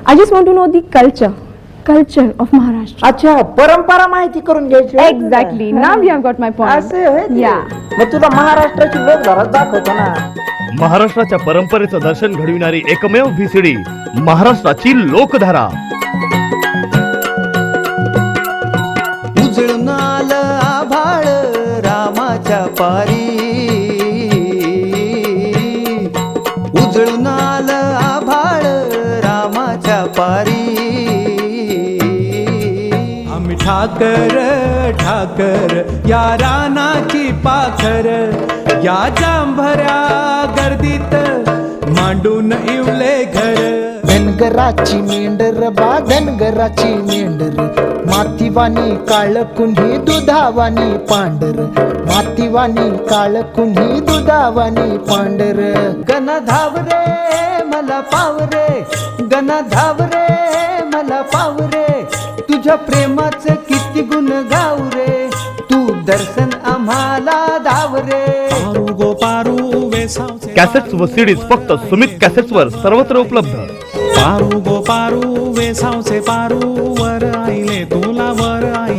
I just want to know the culture of Maharashtra. अच्छा, परंपरा माहिती करून घ्यायची. Exactly. Now you have got my point. असं होय ते? Yeah. मग तुला महाराष्ट्राची लोकधारा दाखवतो ना. महाराष्ट्राच्या परंपरेचं दर्शन घडविणारी एकमेव VCD महाराष्ट्राची लोकधारा. उजळून आलं आभाळ रामाच्या पारी, उजळून आलं आभाळ रामाच्या पारी. आम्ही ठाकर ठाकर या रानाची पाखर, या जांभऱ्या गर्दीत मांडून इवले घर. धनगराची मेंढर बा धनगराची मेंढर, मातीवानी काळ कुन्ही दुधावानी पांढर, मातीवानी काळ कुन्ही दुधावानी पांढर. गण धावरे मला पावरे, गण धावरे मला पावरे, तुझ्या प्रेमाचे किती गुण गावरे, तू दर्शन आम्हाला धावरे. पारू गो पारू वेसावचे कॅसेट्स व सीडीज फक्त सुमित कॅसेट्स वर सर्वत्र उपलब्ध. पारू गो पारू वेसावचे पारू, वर आईले तुला वर आई.